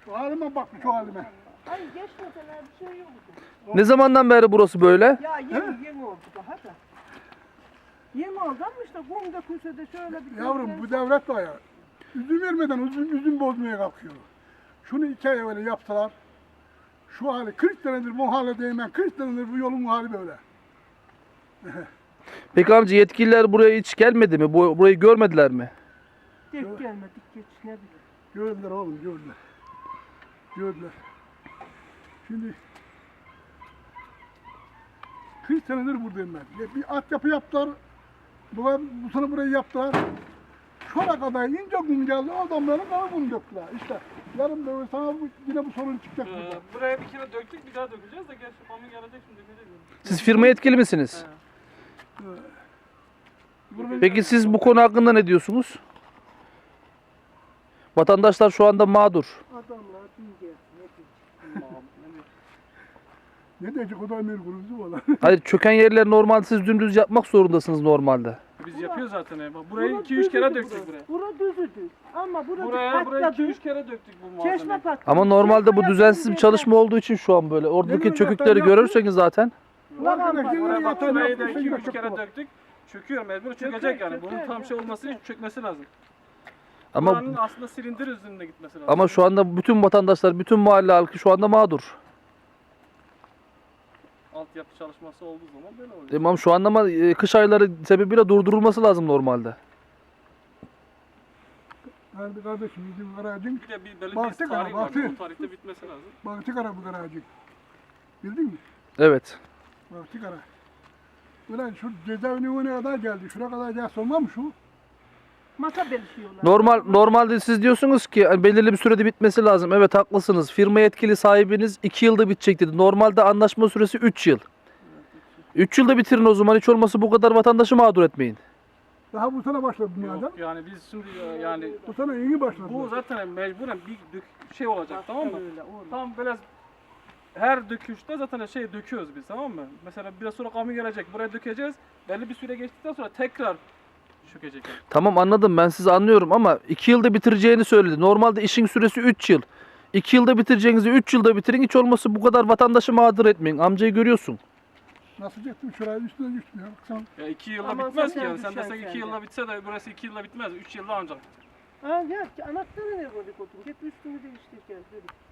Şu halime bak, şu halime. Hayır geçmeseler bir şey yoktu. Ne zamandan beri burası böyle? Ya yeni oldu daha da. Yeni oldu ama işte kum dökülse de şöyle bir... Yavrum bu devlet var ya. Üzüm vermeden üzüm bozmaya kalkıyor. Şunu 2 ay evvel yaptılar. Şu hali 40 senedir bu hale değmen, 40 senedir bu yolun hali böyle. Peki amca yetkililer buraya hiç gelmedi mi? Burayı görmediler mi? Denk gelmedik geç ne bileyim. Gördüler oğlum, gördüler. Gördüler. Şimdi 40 senedir buradayım ben. Bir altyapı yaptılar. Bu sene burayı yaptılar. Şuna kadar ince kum geldi, adamların kara kum döktüler. İşte yarın böyle sana yine bu sorun çıkacak burada. Buraya bir kere döktük, bir daha dökeceğiz de gerçi pamuğu gelecek şimdi dökeceğiz. Siz firma yetkili misiniz? Peki siz bu konu hakkında ne diyorsunuz? Vatandaşlar şu anda mağdur. Adamlar dince Ne diyecek o da emir kurucu valla. Hayır, çöken yerleri normalde siz dümdüz yapmak zorundasınız normalde. Biz yapıyoruz zaten. Bak burayı 2-3 kere döktük buraya. Bura düzüdü. Ama burası Buraya patladı. 2-3 kere döktük bu malzemeyi. Çeşme patladı. Ama normalde bu Çeşme düzensiz bir yapınca çalışma olduğu için şu an böyle. Oradaki Benim çökükleri zaten görürseniz zaten. Ulan Buraya bak burayı da Yatan 2-3 kere döktük. Çöküyor mecbur çökecek yani. Bunun tam şey olması için çökmesi lazım. Ama Buranın aslında silindir üzerinde gitmesi lazım. ama şu anda bütün vatandaşlar, bütün mahalle halkı şu anda mağdur. Altyapı çalışması olduğu zaman böyle oluyor. Tamam şu anda ama kış ayları sebebiyle durdurulması lazım normalde. Hadi kardeşim bizim garajın, Bir de bir belli bir Baktık tarih ama, var. baktık. O tarihte bitmesi lazım. baktı kara bu garajın. Bildin mi? Evet. Baktı kara. Ulan şu cezaevine ne kadar geldi, şuna kadar gelse olmam şu. Masa belişiyorlar. Normalde siz diyorsunuz ki hani belirli bir sürede bitmesi lazım. Evet haklısınız. Firma yetkili sahibiniz 2 yılda bitecek dedi. Normalde anlaşma süresi 3 yıl. 3 yılda bitirin o zaman, hiç olmasa bu kadar vatandaşı mağdur etmeyin. Daha bu sene başladı bu adam. Yok yani biz şimdi yani Bu sene iyi başladı. bu zaten mecburen bir şey olacak tamam mı? Öyle, olur. Tam böyle her döküşte zaten şey döküyoruz biz tamam mı? Mesela biraz sonra kamu gelecek buraya dökeceğiz. Belli bir süre geçtikten sonra tekrar çökecek. Yani. Tamam anladım, ben sizi anlıyorum ama 2 yılda bitireceğini söyledi. Normalde işin süresi 3 yıl. 2 yılda bitireceğinizi 3 yılda bitirin, hiç olmasa bu kadar vatandaşı mağdur etmeyin. Amcayı görüyorsun. Nasıl çektim şuraya üstüne düştüm ya. Baksana. Ya 2 yılda Aman bitmez ki zaten yani. Sen düşer desen 2 sende. yılda bitse de burası 2 yılda bitmez. 3 yılda ancak. Ha ya anahtarı ne koyduk otur. Hep üstünü değiştireceğiz dedik.